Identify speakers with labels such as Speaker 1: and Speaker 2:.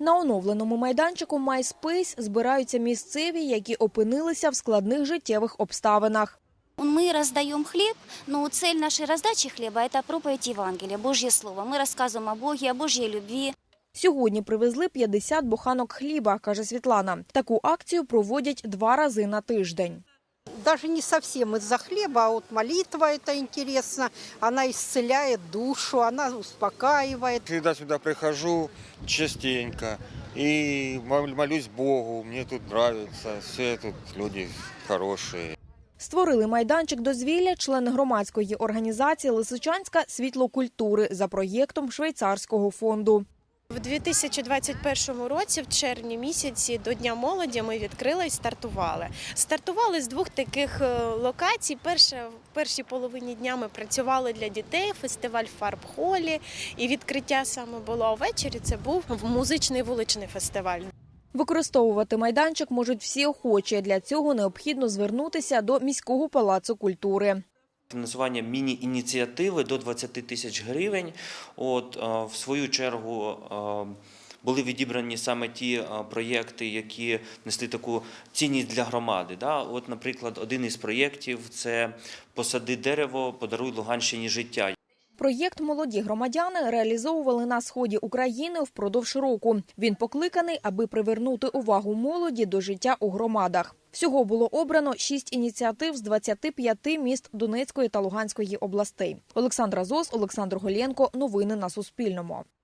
Speaker 1: На оновленому майданчику MySpace збираються місцеві, які опинилися в складних життєвих обставинах.
Speaker 2: Мы раздаем хлеб, но цель нашей раздачи хлеба – это проповедь Евангелия, Божье Слово. Мы рассказываем о Боге, о Божьей любви.
Speaker 1: Сьогодні привезли 50 буханок хліба, каже Світлана. Таку акцію проводять 2 рази на тиждень.
Speaker 3: Даже не совсем из-за хлеба, а вот молитва это интересно. Она исцеляет душу, она успокаивает.
Speaker 4: Всегда сюда прихожу частенько и молюсь Богу. Мне тут нравится, все тут люди хорошие.
Speaker 1: Створили майданчик дозвілля члени громадської організації «Лисичанська світло культури» за проєктом Швейцарського фонду.
Speaker 5: В 2021 році, в червні місяці, до Дня молоді ми відкрили і стартували. Стартували з 2 таких локацій. В першій половині дня ми працювали для дітей, фестиваль в фарб-холі, і відкриття саме було, а ввечері це був музичний вуличний фестиваль.
Speaker 1: Використовувати майданчик можуть всі охочі. Для цього необхідно звернутися до міського палацу культури.
Speaker 6: Фінансування міні-ініціативи до 20 тисяч гривень. В свою чергу були відібрані саме ті проєкти, які несли таку цінність для громади. Наприклад, один із проєктів – це «Посади дерево, подаруй Луганщині життя».
Speaker 1: Проєкт «Молоді громадяни» реалізовували на сході України впродовж року. Він покликаний, аби привернути увагу молоді до життя у громадах. Всього було обрано 6 ініціатив з 25 міст Донецької та Луганської областей. Олександра Зос, Олександр Голєнко. Новини на Суспільному.